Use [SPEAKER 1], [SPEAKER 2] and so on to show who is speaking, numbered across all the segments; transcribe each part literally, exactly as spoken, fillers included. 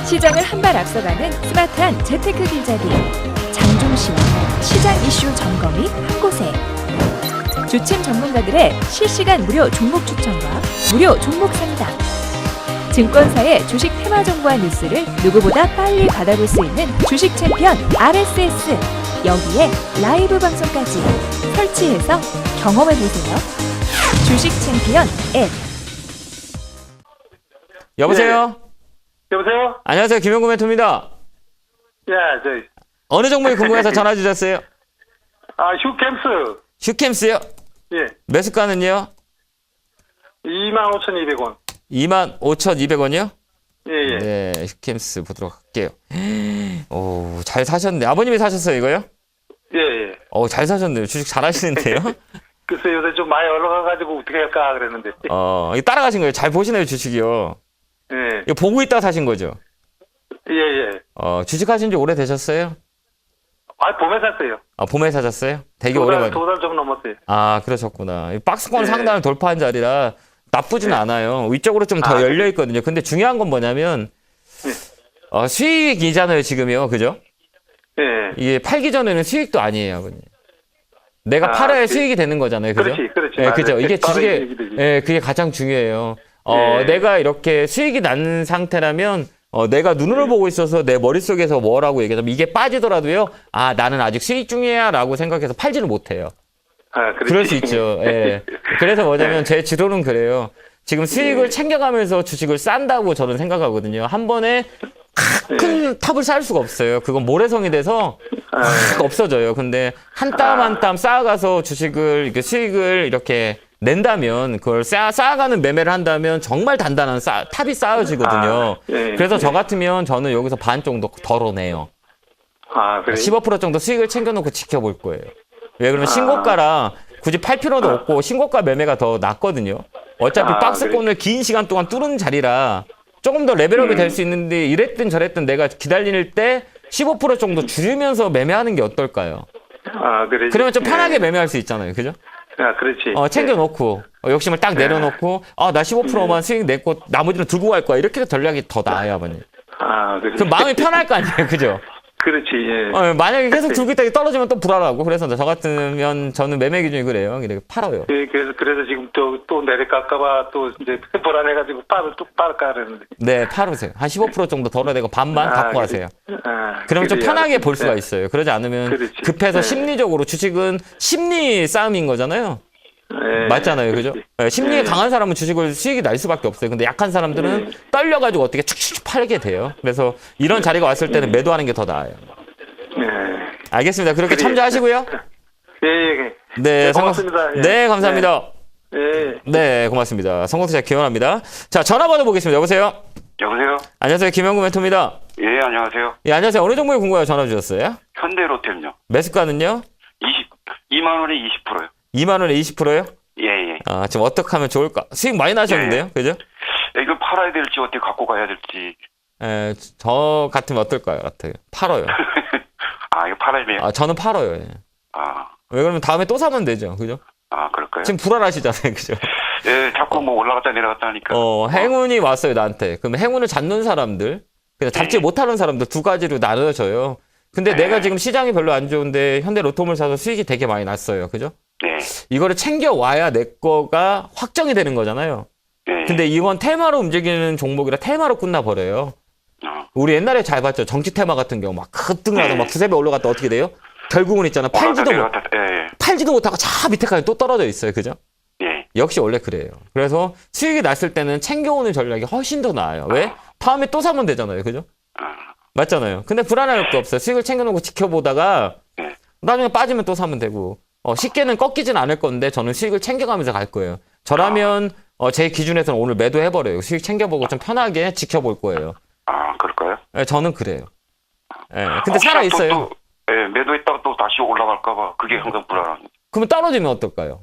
[SPEAKER 1] 시장을 한 발 앞서가는 스마트한 재테크 길잡이 장종시와 시장 이슈 점검이 한 곳에 주침 전문가들의 실시간 무료 종목 추천과 무료 종목 상담 증권사의 주식 테마 정보와 뉴스를 누구보다 빨리 받아볼 수 있는 주식 챔피언 알에스에스 여기에 라이브 방송까지 설치해서 경험해보세요. 주식 챔피언 앱.
[SPEAKER 2] 여보세요?
[SPEAKER 3] 네. 여보세요?
[SPEAKER 2] 안녕하세요. 김영구 멘토입니다.
[SPEAKER 3] 야, 저,
[SPEAKER 2] 어느 종목이 궁금해서 전화 주셨어요?
[SPEAKER 3] 아, 휴캠스.
[SPEAKER 2] 슈캠스요?
[SPEAKER 3] 예.
[SPEAKER 2] 매수가는요?
[SPEAKER 3] 이만 오천이백 원.
[SPEAKER 2] 이만 오천이백 원이요?
[SPEAKER 3] 예, 예.
[SPEAKER 2] 네, 슈캠스 보도록 할게요. 오, 잘 사셨네. 아버님이 사셨어요, 이거요?
[SPEAKER 3] 예, 예.
[SPEAKER 2] 어, 잘 사셨네요. 주식 잘 하시는데요?
[SPEAKER 3] 글쎄, 요새 좀 많이 올라가가지고 어떻게 할까 그랬는데.
[SPEAKER 2] 어, 이거 따라가신 거예요. 잘 보시네요, 주식이요.
[SPEAKER 3] 예.
[SPEAKER 2] 이거 보고 있다가 사신 거죠?
[SPEAKER 3] 예, 예.
[SPEAKER 2] 어, 주식 하신 지 오래되셨어요?
[SPEAKER 3] 아, 봄에 샀어요.
[SPEAKER 2] 아, 봄에 사셨어요? 되게
[SPEAKER 3] 두 달,
[SPEAKER 2] 오래만에.
[SPEAKER 3] 두 달 좀 넘었어요.
[SPEAKER 2] 아, 그러셨구나. 이 박스권
[SPEAKER 3] 네.
[SPEAKER 2] 상단을 돌파한 자리라 나쁘진
[SPEAKER 3] 네.
[SPEAKER 2] 않아요. 위쪽으로 좀 더
[SPEAKER 3] 아,
[SPEAKER 2] 열려 있거든요. 근데 중요한 건 뭐냐면
[SPEAKER 3] 네.
[SPEAKER 2] 어, 수익이잖아요, 지금요. 그죠?
[SPEAKER 3] 예.
[SPEAKER 2] 이게 팔기 전에는 수익도 아니에요, 아버님. 내가
[SPEAKER 3] 아,
[SPEAKER 2] 팔아야
[SPEAKER 3] 그-
[SPEAKER 2] 수익이 되는 거잖아요. 그죠?
[SPEAKER 3] 그렇지, 그렇지.
[SPEAKER 2] 예,
[SPEAKER 3] 맞아요.
[SPEAKER 2] 그죠. 이게
[SPEAKER 3] 바로
[SPEAKER 2] 주식에
[SPEAKER 3] 수익이 되지.
[SPEAKER 2] 예, 그게 가장 중요해요. 어,
[SPEAKER 3] 예.
[SPEAKER 2] 내가 이렇게 수익이 난 상태라면 어, 내가 눈으로
[SPEAKER 3] 네.
[SPEAKER 2] 보고 있어서 내 머릿속에서 뭐라고 얘기하면 이게 빠지더라도요. 아, 나는 아직 수익 중이야라고 생각해서 팔지는 못해요.
[SPEAKER 3] 아, 그렇지.
[SPEAKER 2] 그럴 수 있죠. 예. 그래서 뭐냐면 제 지도는 그래요. 지금 수익을
[SPEAKER 3] 네.
[SPEAKER 2] 챙겨가면서 주식을 싼다고 저는 생각하거든요. 한 번에 큰 탑을 쌓을 수가 없어요. 그건 모래성이 돼서
[SPEAKER 3] 아,
[SPEAKER 2] 확 없어져요. 근데 한 땀 한 땀 쌓아가서 주식을 이렇게 수익을 이렇게 낸다면 그걸 쌓아, 쌓아가는 매매를 한다면 정말 단단한 쌓, 탑이 쌓여지거든요.
[SPEAKER 3] 아, 예,
[SPEAKER 2] 그래서
[SPEAKER 3] 예.
[SPEAKER 2] 저 같으면 저는 여기서 반 정도 덜어내요.
[SPEAKER 3] 아, 그래.
[SPEAKER 2] 십오 퍼센트 정도 수익을 챙겨놓고 지켜볼 거예요. 왜 그러면
[SPEAKER 3] 아.
[SPEAKER 2] 신고가라 굳이 팔 필요도 없고 신고가 매매가 더 낫거든요. 어차피
[SPEAKER 3] 아,
[SPEAKER 2] 박스권을 긴 시간 동안 뚫은 자리라 조금 더 레벨업이
[SPEAKER 3] 음.
[SPEAKER 2] 될 수 있는데 이랬든 저랬든 내가 기다릴 때 십오 퍼센트 정도 줄이면서 매매하는 게 어떨까요?
[SPEAKER 3] 아, 그래.
[SPEAKER 2] 그러면 좀 편하게
[SPEAKER 3] 예.
[SPEAKER 2] 매매할 수 있잖아요. 그죠?
[SPEAKER 3] 아, 그렇지.
[SPEAKER 2] 어, 챙겨놓고 어, 욕심을 딱 내려놓고 아, 나 십오 퍼센트만 수익 냈고 나머지는 두고 갈 거야. 이렇게 전략이 더 나아요, 아버님.
[SPEAKER 3] 아, 그래.
[SPEAKER 2] 그럼 마음이 편할 거 아니에요. 그죠?
[SPEAKER 3] 그렇지, 예.
[SPEAKER 2] 어, 만약에 계속 들고 있다가 떨어지면 또 불안하고 그래서 저 같으면 저는 매매 기준이 그래요. 이렇게 팔아요.
[SPEAKER 3] 예, 그래서, 그래서 지금 또, 또 내려갈까봐 또 이제 불안해가지고 빠를 뚝 빠를까 그러는데.
[SPEAKER 2] 네, 팔으세요. 한 십오 퍼센트 정도 덜어내고 반반
[SPEAKER 3] 아,
[SPEAKER 2] 갖고
[SPEAKER 3] 그래.
[SPEAKER 2] 가세요.
[SPEAKER 3] 아,
[SPEAKER 2] 그러면 좀
[SPEAKER 3] 그래야.
[SPEAKER 2] 편하게 볼 수가
[SPEAKER 3] 네.
[SPEAKER 2] 있어요. 그러지 않으면
[SPEAKER 3] 그렇지.
[SPEAKER 2] 급해서
[SPEAKER 3] 네.
[SPEAKER 2] 심리적으로 주식은 심리 싸움인 거잖아요.
[SPEAKER 3] 예,
[SPEAKER 2] 맞잖아요. 그죠?
[SPEAKER 3] 그렇지.
[SPEAKER 2] 네, 심리에
[SPEAKER 3] 예.
[SPEAKER 2] 강한 사람은 주식을 수익이 날 수밖에 없어요. 근데 약한 사람들은
[SPEAKER 3] 네.
[SPEAKER 2] 떨려가지고 어떻게 축축 팔게 돼요. 그래서 이런 자리가 왔을 때는 매도하는 게 더 나아요.
[SPEAKER 3] 예.
[SPEAKER 2] 알겠습니다. 그렇게
[SPEAKER 3] 그래.
[SPEAKER 2] 참조하시고요.
[SPEAKER 3] 예, 예.
[SPEAKER 2] 네,
[SPEAKER 3] 네,
[SPEAKER 2] 성공-
[SPEAKER 3] 고맙습니다. 예.
[SPEAKER 2] 네, 감사합니다.
[SPEAKER 3] 예.
[SPEAKER 2] 네, 고맙습니다. 성공투자 기원합니다. 자, 전화 받아보겠습니다. 여보세요?
[SPEAKER 4] 여보세요?
[SPEAKER 2] 안녕하세요. 김영구 멘토입니다.
[SPEAKER 4] 예, 안녕하세요.
[SPEAKER 2] 예, 안녕하세요. 어느 종목에 궁금해서 전화 주셨어요?
[SPEAKER 4] 현대로템요.
[SPEAKER 2] 매수가는요?
[SPEAKER 4] 이십, 이만 원에 이십 퍼센트요.
[SPEAKER 2] 이만 원에 이십 퍼센트요?
[SPEAKER 4] 예, 예.
[SPEAKER 2] 아, 지금 어떻게 하면 좋을까? 수익 많이 나셨는데요? 그죠?
[SPEAKER 4] 예, 이걸 팔아야 될지 어떻게 갖고 가야 될지.
[SPEAKER 2] 에, 저 같으면 어떨까요? 같아요. 팔어요.
[SPEAKER 4] 아, 이거 팔아야 돼요?
[SPEAKER 2] 아, 저는 팔어요. 예.
[SPEAKER 4] 아,
[SPEAKER 2] 왜 그러면 다음에 또 사면 되죠. 그죠?
[SPEAKER 4] 아, 그럴까요?
[SPEAKER 2] 지금 불안하시잖아요. 그죠?
[SPEAKER 4] 예, 자꾸 뭐 올라갔다 내려갔다 하니까.
[SPEAKER 2] 어, 행운이 왔어요, 나한테. 그럼 행운을 잡는 사람들, 그냥 잡지
[SPEAKER 4] 네.
[SPEAKER 2] 못하는 사람들 두 가지로 나눠져요. 근데
[SPEAKER 4] 네.
[SPEAKER 2] 내가 지금 시장이 별로 안 좋은데 현대 로톰을 사서 수익이 되게 많이 났어요. 그죠?
[SPEAKER 4] 네.
[SPEAKER 2] 이거를 챙겨와야 내 거가 확정이 되는 거잖아요.
[SPEAKER 4] 네.
[SPEAKER 2] 근데 이건 테마로 움직이는 종목이라 테마로 끝나버려요.
[SPEAKER 4] 어,
[SPEAKER 2] 우리 옛날에 잘 봤죠. 정치 테마 같은 경우 막 급등하다
[SPEAKER 4] 네.
[SPEAKER 2] 막 두세 배 올라갔다 어떻게 돼요? 결국은 있잖아. 팔지도 못,
[SPEAKER 4] 올라갔다 내려갔다. 예,
[SPEAKER 2] 팔지도 못하고 저 밑에까지 또 떨어져 있어요. 그죠?
[SPEAKER 4] 예. 예.
[SPEAKER 2] 역시 원래 그래요. 그래서 수익이 났을 때는 챙겨오는 전략이 훨씬 더 나아요. 왜? 다음에 또 사면 되잖아요. 그죠?
[SPEAKER 4] 아,
[SPEAKER 2] 맞잖아요. 근데 불안할 거 없어요. 수익을 챙겨놓고 지켜보다가
[SPEAKER 4] 네.
[SPEAKER 2] 나중에 빠지면 또 사면 되고 어, 쉽게는 꺾이진 않을 건데 저는 수익을 챙겨가면서 갈 거예요. 저라면 어, 제 기준에서는 오늘 매도해버려요. 수익 챙겨보고 좀 편하게 지켜볼 거예요.
[SPEAKER 4] 아, 그럴까요?
[SPEAKER 2] 예, 저는 그래요. 예, 근데
[SPEAKER 4] 혹시나
[SPEAKER 2] 살아있어요.
[SPEAKER 4] 또, 또, 예, 매도했다가 또 다시 올라갈까봐 그게 항상 불안합니다.
[SPEAKER 2] 그러면 떨어지면 어떨까요?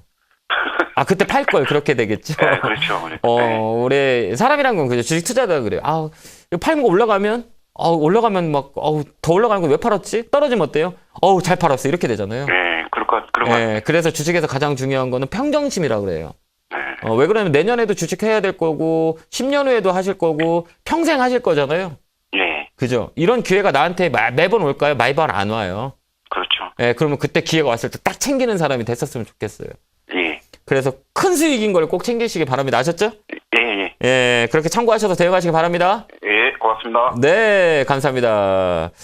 [SPEAKER 2] 아, 그때 팔 걸 그렇게 되겠죠.
[SPEAKER 4] 예, 그렇죠.
[SPEAKER 2] 어,
[SPEAKER 4] 예.
[SPEAKER 2] 우리 사람이란 건 그죠. 주식 투자다 그래요. 아, 이거 팔는 거 올라가면, 아, 올라가면 막, 어우, 더 올라가는 거 왜 팔았지? 떨어지면 어때요? 어우, 잘 팔았어. 이렇게 되잖아요.
[SPEAKER 4] 예, 그럴 것, 그런 것
[SPEAKER 2] 예, 그래서 주식에서 가장 중요한 거는 평정심이라 그래요.
[SPEAKER 4] 예.
[SPEAKER 2] 어, 왜 그러냐면 내년에도 주식 해야 될 거고, 십 년 후에도 하실 거고, 평생 하실 거잖아요.
[SPEAKER 4] 예.
[SPEAKER 2] 그죠? 이런 기회가 나한테 마- 매번 올까요? 매번 안 와요.
[SPEAKER 4] 그렇죠.
[SPEAKER 2] 예, 그러면 그때 기회가 왔을 때 딱 챙기는 사람이 됐었으면 좋겠어요.
[SPEAKER 4] 예.
[SPEAKER 2] 그래서 큰 수익인 걸 꼭 챙기시기 바랍니다. 아셨죠?
[SPEAKER 4] 예, 예.
[SPEAKER 2] 예, 그렇게 참고하셔서 대응하시기 바랍니다.
[SPEAKER 4] 예, 고맙습니다.
[SPEAKER 2] 네, 감사합니다.